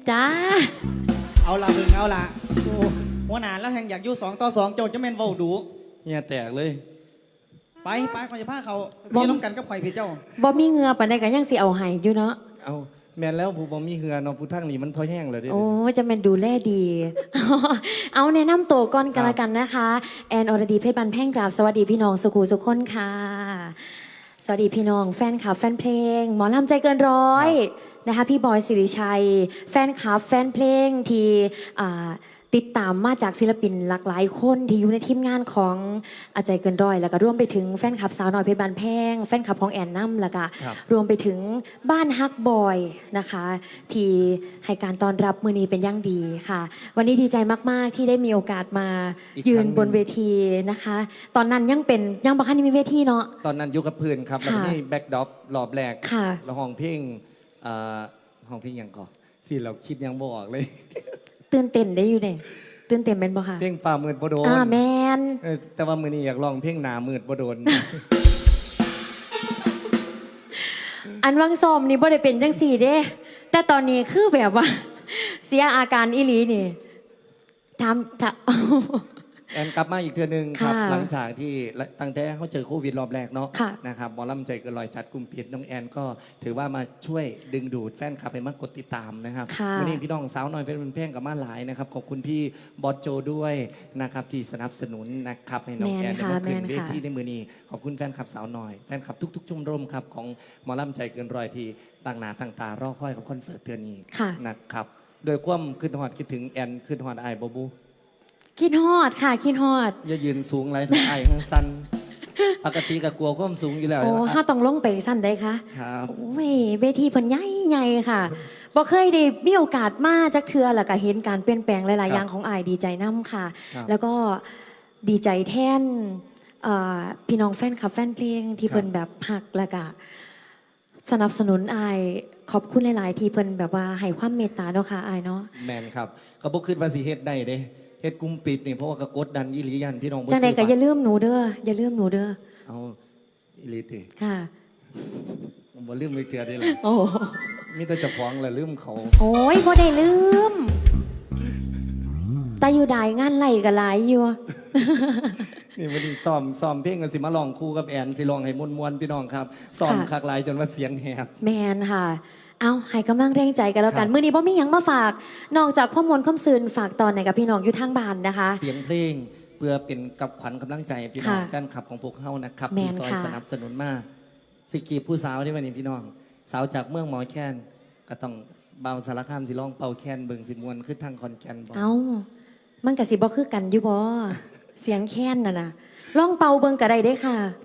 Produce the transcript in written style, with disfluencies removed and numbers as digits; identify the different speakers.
Speaker 1: จ้า
Speaker 2: เอาละเบิ่งเอาละโอ้หัวหน้าแล้วแห่งอยากอยู่2 ต่อ 2โจทย์จะแม่นเว้าดู
Speaker 3: เฮียแตกเลย
Speaker 2: ไปข่อยจะพาเขาพี่น้องกันกับข่อยพี่เจ้า
Speaker 1: บ่มีเหงือปานใดก็ยังสิเอาให้อยู่เนาะ
Speaker 3: เอาแม่นแล้วผู้บ่มีเหือเนาะผู้ทั้งนี้มันพอแห้งเลยเด้
Speaker 1: โอ้จะเป็นดูแลดี เอาแนะนำตัวก่อนกันละกันนะคะแอนอรดีเพชรบันแพ่งกราบสวัสดีพี่น้องสุขูสุขคนค่ะสวัสดีพี่น้องแฟนคลับแฟนเพลงหมอลำใจเกินร้อยนะคะพี่บอยสิริชัยแฟนคลับแฟนเพลงที่ติดตามมาจากศิลปินหลากหลายคนที่อยู่ในทีมงานของอาใจเกินร้อยแล้วก็รวมไปถึงแฟนคลับสาวน้อยเพชรบานแพงแฟนคลับของแอนน้ำแล้วก็รวมไปถึงบ้านฮักบอยนะคะที่ให้การต้อนรับมือนี้เป็นอย่างดีค่ะวันนี้ดีใจมากๆที่ได้มีโอกาสมายืนบนเวทีนะคะตอนนั้นยังบ่คันมีเวทีเนาะ
Speaker 3: ตอนนั้นอยู่กับเพื่อนครับแล้วก็นี่แบ็คดรอปรอบแรกแล้วห้องเพลงห้องเพลงยังก่อนสิเราคิดยังบ่ออกเลย
Speaker 1: ตื่นเต้นได้อยู่เนี่ยตื่นเต้นเป็นบ่ค่ะ
Speaker 3: เพลงป่ามืดบ่โดน
Speaker 1: แมน
Speaker 3: แต่ว่ามื้อนี้อยากลองเพลงหนามืดบ่โดน
Speaker 1: อันวังซ้อมนี่บ่ได้เป็นจังสี่เด้แต่ตอนนี้คือแบบว่า เสียอาการอีหลีนี่ทำ
Speaker 3: แอนกลับมาอีกเทื่อนึงครับหลังจากที่ตั้งแต่เขาเจอโควิดรอบแรกเนาะนะครับหมอลำใจเกินร้อยจัดกลุ่มปิดน้องแอนก็ถือว่ามาช่วยดึงดูดแฟนคลับให้มากดติดตามนะครับวันนี้พี่น้องสาวน้อยเป็นเพลงกับมาหลายนะครับขอบคุณพี่บอสโจด้วยนะครับที่สนับสนุนนะครับให้น้องแอนได้มาขึ้นเวทีในมือนี้ขอบคุณแฟนคลับสาวน้อยแฟนคลับทุกๆชมรมครับของหมอลำใจเกินร้อยที่ต่างหน้าต่างตารอคอยกับคอนเสิร์ตเดือนนี้นะครับโดยความขึ้นฮอดคิดถึงแอนขึ้นฮอดไอบูบู
Speaker 1: คิดฮอดค่ะคิดฮอด
Speaker 3: อย่ายืนสูงไรทั้งไอทั้งสั้นปกติก็กลัวความสูงอยู่แล้ว
Speaker 1: โอ้ถ้าต้องลงไปสั้นได้ค่ะ
Speaker 3: ครับ
Speaker 1: โอ้ยเวทีเพิ่นใหญ่ค่ะบ่เคยได้มีโอกาสมาจักเทื่อแล้วก็เห็นการเปลี่ยนแปลงหลายๆอย่างของอายดีใจนํค่ะ แล้วก็ดีใจแทนพี่น้องแฟนคลับแฟนเพลงที่เพิ่นแบบฮักแล้วก็สนับสนุนอายขอบคุณหลายๆที่เพิ่นแบบว่าให้ความเมตตาเนาะค่ะอายเนาะ
Speaker 3: แมนครับก็บ่คิดว่าสิเฮ็ดได้เด้เฮ็ดกุมปิดนี่เพราะว่าก็กดดันอีหลียันพี่น้อง
Speaker 1: จังได๋ก็อย่าลืมหนูเด้ออย่าลืมหนูเด้อ
Speaker 3: เอาอีหลีติ
Speaker 1: ค่ะ
Speaker 3: ผมบ่ลืมเลยเทื่อได้ล่ะ
Speaker 1: โอ้
Speaker 3: มีแต่เจ้าของแหละลืมเขา
Speaker 1: โอ้ยบ่ได้ลืมแต่อยู่ได้งานไหลก็หลายอยู่
Speaker 3: นี่วันนี้ซ้อมเพลงกันสิมาลองคู่กับแอนสิลองให้มวนๆพี่น้องครับซ้อมคักหลายจนว่าเสียงแหบ
Speaker 1: แมนค่ะเอาให้กำลังแรงใจกันแล้วกันมื้อนี้บ่มีหยังมาฝากนอกจากข้อมูลข้อมซื่นฝากตอนไหนกับพี่น้องอยู่ทางบ้านนะคะ
Speaker 3: เสียงเพลงเพื่อเป็นกับขวัญกำลังใจพี่น้องแฟนคลับของพวกเขานะครับที่ซอยสนับสนุนมาสิกีผู้สาวที่วันนี้พี่น้องสาวจากเมืองหมอแคนก็ต้องเบาสารคามสิร้องเป่าแคนเบิ่งสิมวนขึ้นทางคอนแคนบ่
Speaker 1: เอามันก็สิบ่คือกันอยู่บ่เสียงแคนน่ะนะร้องเป่าเบิ่งก็ได้เด้ค่ะ